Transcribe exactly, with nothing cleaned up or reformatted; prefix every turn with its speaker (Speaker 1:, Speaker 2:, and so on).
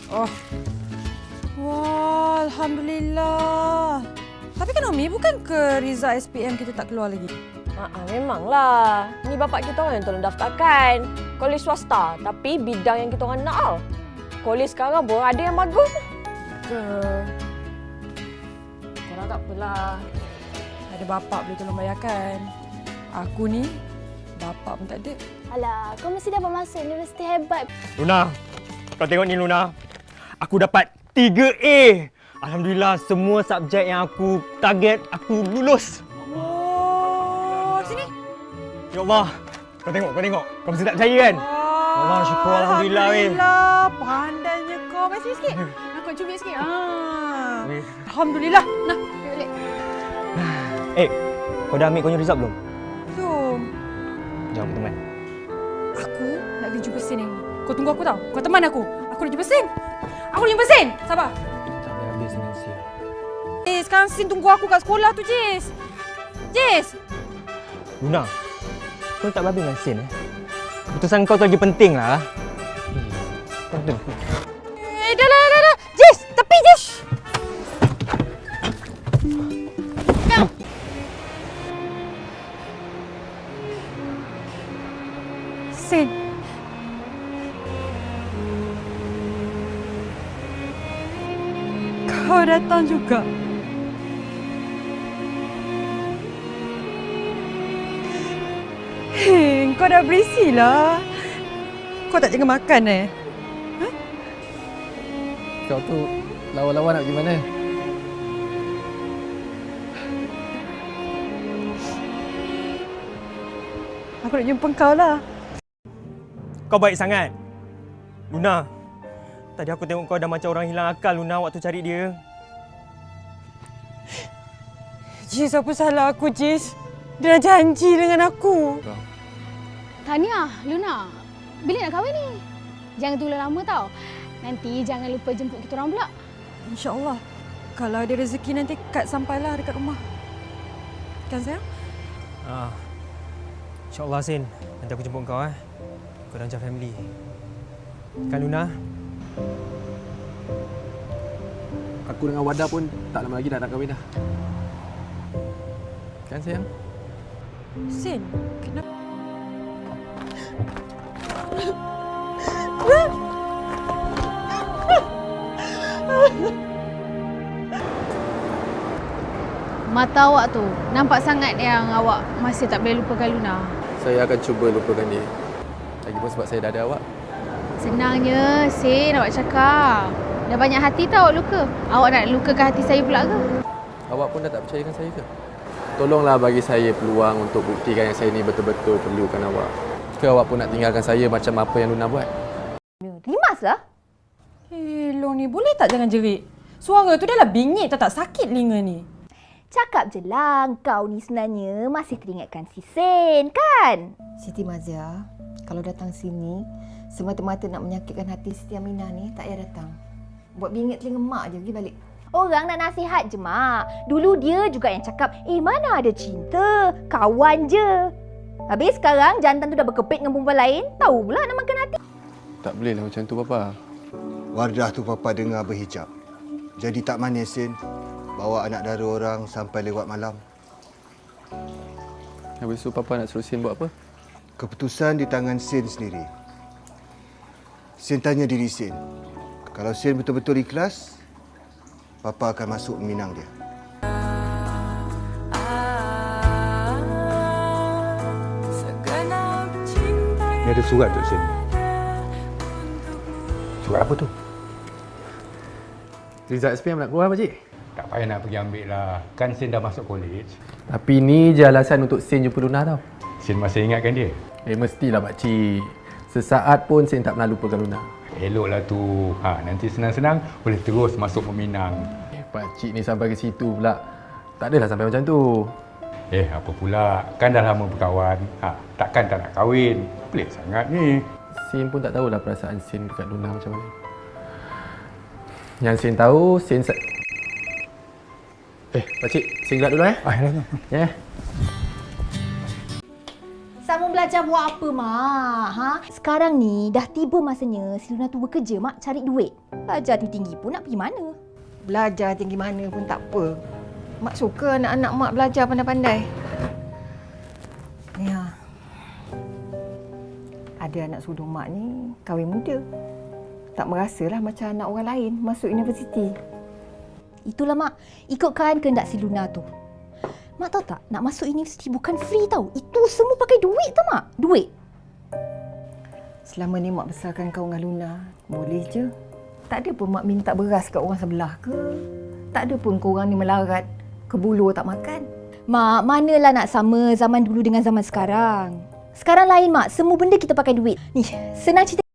Speaker 1: Oh. Wah, Alhamdulillah. Tapi kan Umi, bukan ke Riza S P M kita tak keluar lagi?
Speaker 2: Haa, memanglah. Ni bapak kita orang yang tolong daftarkan. Kolej swasta, tapi bidang yang kita orang nak tau. Kolej sekarang pun ada yang bagus.
Speaker 1: Ke... Korang tak apalah. Ada bapak boleh tolong bayarkan. Aku ni, bapak pun tak ada.
Speaker 3: Alah, kau mesti dapat masuk universiti hebat.
Speaker 4: Luna, kau tengok ni Luna. Aku dapat tiga A. Alhamdulillah, semua subjek yang aku target, aku lulus.
Speaker 1: Oh, sini.
Speaker 4: Ya Allah, kau tengok, kau tengok. Kau mesti tak percaya kan?
Speaker 1: Oh,
Speaker 4: Allah, syukur Alhamdulillah.
Speaker 1: Alhamdulillah, pandainya kau. Mari sini sikit. Aku cubit sikit. Ah.
Speaker 4: Weh.
Speaker 1: Alhamdulillah. Nah, balik.
Speaker 4: Eh, kau dah ambil kau punya result belum?
Speaker 1: Belum.
Speaker 4: Jom, teman.
Speaker 1: Aku nak pergi jumpa Sin ni. Kau tunggu aku tau. Kau teman aku. Aku nak jumpa Sin. Aku nak jumpa Sin. Sabar.
Speaker 4: Tak boleh habis dengan Sin.
Speaker 1: Eh, sekarang Sin tunggu aku kat sekolah tu, Jis. Jis.
Speaker 4: Luna, kau tak habis dengan Sin eh? Keputusan kau tu lagi penting lah. Kau tu.
Speaker 1: Eh, dah lah, dah lah. Jis, tepi Jis. Sin. Kau datang juga. Hei, kau dah berisilah. Kau tak jaga makan eh? Ha?
Speaker 5: Kau tu lawa-lawa nak pergi mana?
Speaker 1: Aku nak jumpa kau lah.
Speaker 4: Kau baik sangat. Luna, tadi aku tengok kau dah macam orang hilang akal, Luna, waktu cari dia.
Speaker 1: Jis, apa salah aku, Jis? Dia dah janji dengan aku.
Speaker 3: Tahniah, Luna. Bila nak kahwin ni? Jangan tunggu lama tau. Nanti jangan lupa jemput kita orang pula.
Speaker 1: InsyaAllah. Kalau ada rezeki nanti Kak sampailah dekat rumah. Kan sayang?
Speaker 4: Ah. InsyaAllah, Sin. Nanti aku jemput kau eh. Kau dah macam family. Kan, Luna?
Speaker 5: Aku dengan Wada pun tak lama lagi dah nak kahwin dah. Kan sayang?
Speaker 1: Sin, kenapa?
Speaker 3: Mata awak tu, nampak sangat yang awak masih tak boleh lupakan Luna.
Speaker 5: Saya akan cuba lupakan dia. Lagipun sebab saya dah ada awak.
Speaker 3: Senangnya, Sin awak cakap. Dah banyak hati tau awak luka. Awak nak lukakan hati saya pula ke?
Speaker 5: Awak pun dah tak percaya dengan saya ke? Tolonglah bagi saya peluang untuk buktikan yang saya ni betul-betul perlukan awak. Ke awak pun nak tinggalkan saya macam apa yang Luna buat?
Speaker 3: Rimaslah.
Speaker 1: Eh, Long ni boleh tak jangan jerit? Suara tu dah lah bingit tak tak sakit telinga ni.
Speaker 6: Cakap je lah, kau ni sebenarnya masih teringatkan si Sen, kan?
Speaker 7: Siti Mazia, kalau datang sini, semata-mata nak menyakitkan hati Siti Aminah ni, tak payah datang. Buat bingit telinga mak je, pergi balik.
Speaker 6: Orang nak nasihat je, Mak. Dulu dia juga yang cakap, eh mana ada cinta, kawan je. Habis sekarang jantan tu dah berkepit dengan perempuan lain, tahu pula nak makan hati.
Speaker 5: Tak bolehlah macam tu, Papa.
Speaker 8: Wardah tu Papa dengar berhijab. Jadi tak manis, Sin. Bawa anak dara orang sampai lewat malam.
Speaker 5: Habis tu Papa nak suruh Sin buat apa?
Speaker 8: Keputusan di tangan Sin sendiri. Sin tanya diri Sin. Kalau Sin betul-betul ikhlas, Papa akan masuk meminang dia.
Speaker 9: Ni ada surat tu, Sin. Surat apa tu?
Speaker 5: Result S P M nak keluar, Pakcik?
Speaker 9: Tak payah nak pergi ambil lah. Kan Sin dah masuk college.
Speaker 5: Tapi ni je alasan untuk Sin jumpa Luna tau.
Speaker 9: Sin masih ingatkan dia?
Speaker 5: Eh, mestilah, Pakcik. Sesaat pun Sin tak pernah lupakan Luna.
Speaker 9: Eloklah tu. Ha, nanti senang-senang boleh terus masuk meminang.
Speaker 5: Eh, Pakcik ni sampai ke situ pula. Tak adalah sampai macam tu.
Speaker 9: Eh, apa pula? Kan dah lama berkawan. Ha, takkan tak nak kahwin. Pelik sangat ni.
Speaker 5: Sin pun tak tahulah perasaan Sin dekat Luna macam mana. Yang Sin tahu, Sin... Sa- eh, Pakcik, Sin gerak dulu eh.
Speaker 9: Ah, ya.
Speaker 5: Ya. Yeah.
Speaker 6: Sambung belajar. belajar buat apa, Mak? Ha? Sekarang ni dah tiba masanya si Luna tu bekerja, Mak, cari duit. Belajar tinggi pun nak pergi mana?
Speaker 7: Belajar tinggi mana pun tak apa. Mak suka anak-anak Mak belajar pandai-pandai. Ya. Ada anak sudung Mak ni kahwin muda. Tak merasalah macam anak orang lain masuk universiti.
Speaker 6: Itulah, Mak. Ikutkan kehendak si Luna tu. Mak tahu tak, nak masuk universiti bukan free tau. Itu semua pakai duit tau, Mak. Duit.
Speaker 7: Selama ni Mak besarkan kau dengan Luna, boleh je. Tak ada pun Mak minta beras kat orang sebelah ke. Tak ada pun korang ni melarat ke bulu tak makan.
Speaker 6: Mak, manalah nak sama zaman dulu dengan zaman sekarang. Sekarang lain, Mak. Semua benda kita pakai duit. Ni, senang cerita.